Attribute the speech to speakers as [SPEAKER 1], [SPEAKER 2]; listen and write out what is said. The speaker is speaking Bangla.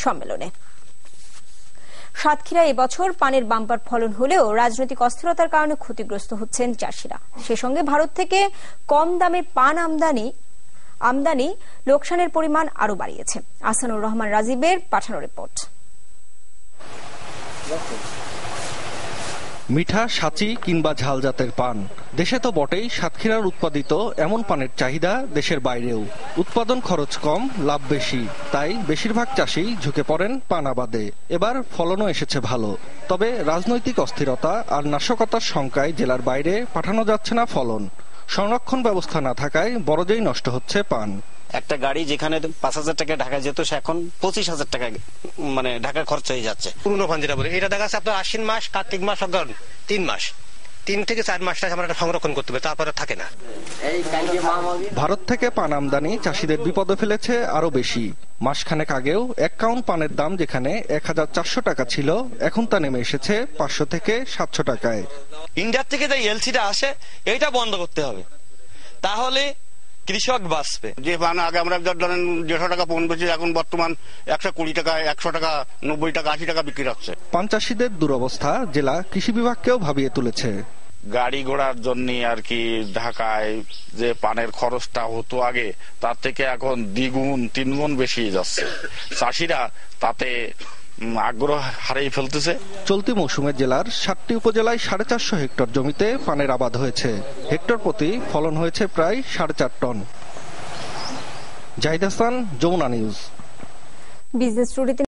[SPEAKER 1] সম্মেলনে। সাতক্ষীরায় এবছর পানের বাম্পার ফলন হলেও রাজনৈতিক অস্থিরতার কারণে ক্ষতিগ্রস্ত হচ্ছেন চাষিরা। সে সঙ্গে ভারত থেকে কম দামে পান আমদানি লোকসানের পরিমাণ আরো বাড়িয়েছে। আহসানুর রহমান রাজীবের পাঠানো রিপোর্ট।
[SPEAKER 2] মিঠা, সাচি কিংবা ঝাল জাতের পান দেশে তো বটেই, সাতক্ষীরার উৎপাদিত এমন পানের চাহিদা দেশের বাইরেও। উৎপাদন খরচ কম, লাভ বেশি, তাই বেশিরভাগ চাষী ঝুঁকে পড়েন পান আবাদে। এবার ফলনও এসেছে ভালো, তবে রাজনৈতিক অস্থিরতা আর নাশকতার শঙ্কায় জেলার বাইরে পাঠানো যাচ্ছে না ফলন। সংরক্ষণ ব্যবস্থা না থাকায় বড়জেই নষ্ট হচ্ছে পান।
[SPEAKER 3] একটা গাড়ি যেখানে 5,000 টাকা ঢাকা যেত, সে এখন 25,000 টাকা মানে ঢাকার খরচ হয়ে যাচ্ছে।
[SPEAKER 4] পুরনো পান যেটা বলে, এটা দেখা যাচ্ছে আপনার আশ্বিন মাস, কার্তিক মাস, 3 মাস, 3 থেকে 4 মাসটা আমরা সংরক্ষণ করতে হবে, তারপরে থাকে না।
[SPEAKER 2] ভারত থেকে পান আমদানি চাষিদের বিপদে ফেলেছে আরো বেশি। মাসখানেক আগেও 1 কাউন্ট পানের দাম যেখানে 1,400 টাকা ছিল, এখন তা নেমে এসেছে 500 থেকে 700 টাকায়।
[SPEAKER 5] ইন্ডিয়া থেকে যে এলসিটা আসে, এইটা বন্ধ করতে হবে, তাহলে কৃষক বাঁচবে।
[SPEAKER 6] যে পান আগে আমরা ধরেন 150 টাকা পণ বেশি, এখন বর্তমান 120 টাকা, 100 টাকা, 90 টাকা, 80 টাকা বিক্রি হচ্ছে।
[SPEAKER 2] পান চাষিদের দুরবস্থা জেলা কৃষি বিভাগকেও ভাবিয়ে তুলেছে।
[SPEAKER 7] গাড়ি ঘোড়ার জন্য আর কি ঢাকায় যে পানের খরচটা হতো আগে, তার থেকে এখন 2-3 গুণ বেশি যাচ্ছে। চাষিরা তাতে আগ্রহ হারিয়ে ফেলতেছে।
[SPEAKER 2] চলতি মৌসুমে জেলার 7টি উপজেলায় 450 হেক্টর জমিতে পানের আবাদ হয়েছে। হেক্টর প্রতি ফলন হয়েছে প্রায় 4.5 ton. Zahid Hasan, Jamuna news.
[SPEAKER 1] Business স্টুডিওতে